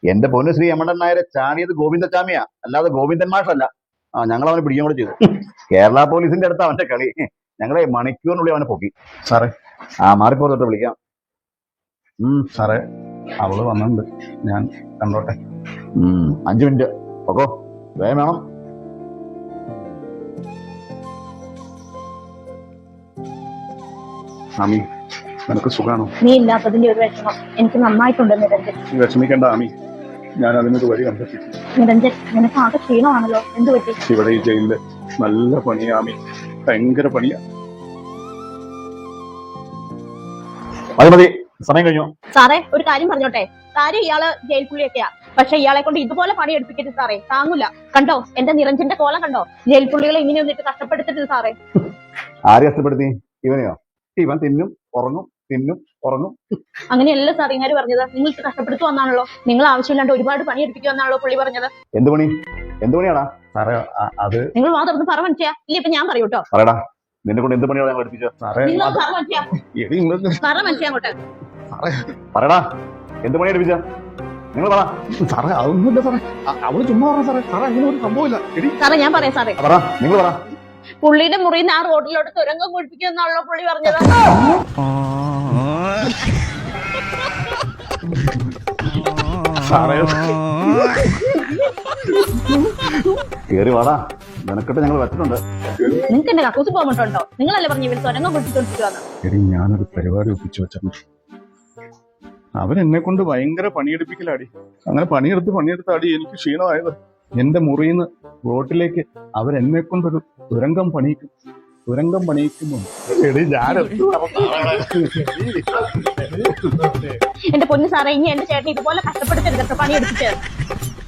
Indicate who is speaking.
Speaker 1: എന്റെ പൊന്നു ശ്രീ എമ്മണ്ടൻ നായരെ ചാടിയത് ഗോവിന്ദച്ചാമിയാ, അല്ലാതെ ഗോവിന്ദൻ മാഷല്ല. ഞങ്ങൾ അവനെ പിടിക്കാൻ കൂടെ ചെയ്തു. കേരള പോലീസിന്റെ അടുത്ത് അവന്റെ കളി. ഞങ്ങളെ മണിക്കൂറിനുള്ളിൽ അവനെ പൊക്കി.
Speaker 2: സാറേ
Speaker 1: മാറിപ്പോ തൊട്ട് വിളിക്കാം.
Speaker 2: സാറേ അവള് വന്നിട്ടുണ്ട്, ഞാൻ കണ്ടോട്ടെ.
Speaker 1: 5 മിനിറ്റ് ഓക്കോ, വേഗം വേണം.
Speaker 2: ആമി നിനക്ക് സുഖാണോ?
Speaker 3: നീ ഇല്ലാത്തതിന്റെ ഒരു വിഷമം എനിക്ക് നന്നായിട്ടുണ്ട് നിരഞ്ജൻ.
Speaker 2: വിഷമിക്കേണ്ട ആമി, ഞാൻ അതിനൊരു വഴി കണ്ടെത്തി.
Speaker 3: നിരഞ്ജൻ, നിനക്ക് ആകെ ക്ഷീണമാണല്ലോ, എന്ത് പറ്റി?
Speaker 2: ഇവിടെ ഈ ജയിലില് നല്ല പണിയാ ആമി, ഭയങ്കര പണിയാ.
Speaker 1: മതി മതി, സമയം കഴിഞ്ഞു.
Speaker 3: സാറേ ഒരു കാര്യം പറഞ്ഞോട്ടെ, കാര്യം ഇയാള് ജയിൽ പുള്ളിയൊക്കെയാ, പക്ഷെ ഇയാളെ കൊണ്ട് ഇതുപോലെ പണി എടുപ്പിക്കരുത് സാറേ, താങ്ങൂല. കണ്ടോ എന്റെ നിരഞ്ജന്റെ കോലം കണ്ടോ? ജയിൽ പുള്ളികളെ ഇങ്ങനെ ഒന്നിട്ട് കഷ്ടപ്പെടുത്തരുത് സാറേ.
Speaker 1: ആര് കഷ്ടപ്പെടുത്തി? ഇവനെയോ? ഇവൻ തിന്നും ഉറങ്ങും, തിന്നും ഉറങ്ങും.
Speaker 3: അങ്ങനെയല്ല സാർ ഇങ്ങനെ പറഞ്ഞത്, നിങ്ങൾ കഷ്ടപ്പെടുത്തുവന്നാണല്ലോ, നിങ്ങൾ ആവശ്യമില്ലാണ്ട് ഒരുപാട് പണി എടുപ്പിക്കുമെന്നാണല്ലോ പുള്ളി പറഞ്ഞത്.
Speaker 1: എന്ത് പണി? എന്ത് പണിയാടാ?
Speaker 2: സാറേ അത്
Speaker 3: നിങ്ങൾ വാ തുറന്ന് പറ മനസ്സിയാ, ഇല്ല ഇപ്പൊ ഞാൻ പറയൂട്ടോ.
Speaker 1: പറയടാ, നിന്നെ കൊണ്ട് എന്ത് പണിയാണ് ഞാൻ പഠിപ്പിച്ചത്?
Speaker 2: സാറേ
Speaker 3: നിങ്ങൾ പറ മനസ്സിയാ, പറ മനസ്സിയാ അങ്ങോട്ട്.
Speaker 1: പറയടാ, എന്ത് പണി പഠിപ്പിച്ച? നിങ്ങൾ പറ.
Speaker 2: സാറേ അതൊന്നുമില്ല സാറേ, അവള് ചുമ്മാ പറഞ്ഞ സാറേ. സാറേ അങ്ങനെ ഒരു സംഭവമില്ല.
Speaker 3: സാറേ ഞാൻ പറയാം സാറേ,
Speaker 1: പറ, നിങ്ങൾ പറ.
Speaker 3: പുള്ളിയുടെ മുറിയിൽ ആ റോഡിലോട്ട് തുരങ്കം കുഴിപ്പിക്കുമെന്നാണല്ലോ പുള്ളി പറഞ്ഞത്.
Speaker 2: സാറേ
Speaker 1: കേറി വാടാ, നിനക്കിട്ട് ഞങ്ങൾ വെച്ചിട്ടുണ്ട്.
Speaker 3: നിങ്ങൾക്ക് എന്റെ കക്കൂസ് പോകണ്ടോ? നിങ്ങളല്ലേ പറഞ്ഞു ഇവർ തുരങ്കം കുഴിപ്പിച്ചോണ്ടിരിക്കുവാന്ന്?
Speaker 2: എടി ഞാനൊരു പരിപാടി ഒപ്പിച്ചു വെച്ചിട്ടുണ്ട്. അവരെന്നെ കൊണ്ട് ഭയങ്കര പണിയെടുപ്പിക്കലാടി. അങ്ങനെ പണിയെടുത്ത് അടി എനിക്ക് ക്ഷീണമായത്. എന്റെ മുറിയിൽ നിന്ന് റോട്ടിലേക്ക് അവരെന്നെ കൊണ്ടൊരു തുരങ്കം പണിയിക്കുന്നു. എടി ഞാൻ
Speaker 3: എന്റെ പൊന്നു സാറേ, ഇനി എന്റെ ചേട്ടൻ ഇതുപോലെ കഷ്ടപ്പെടുത്തരുത് പണിയെടുപ്പിച്ച്.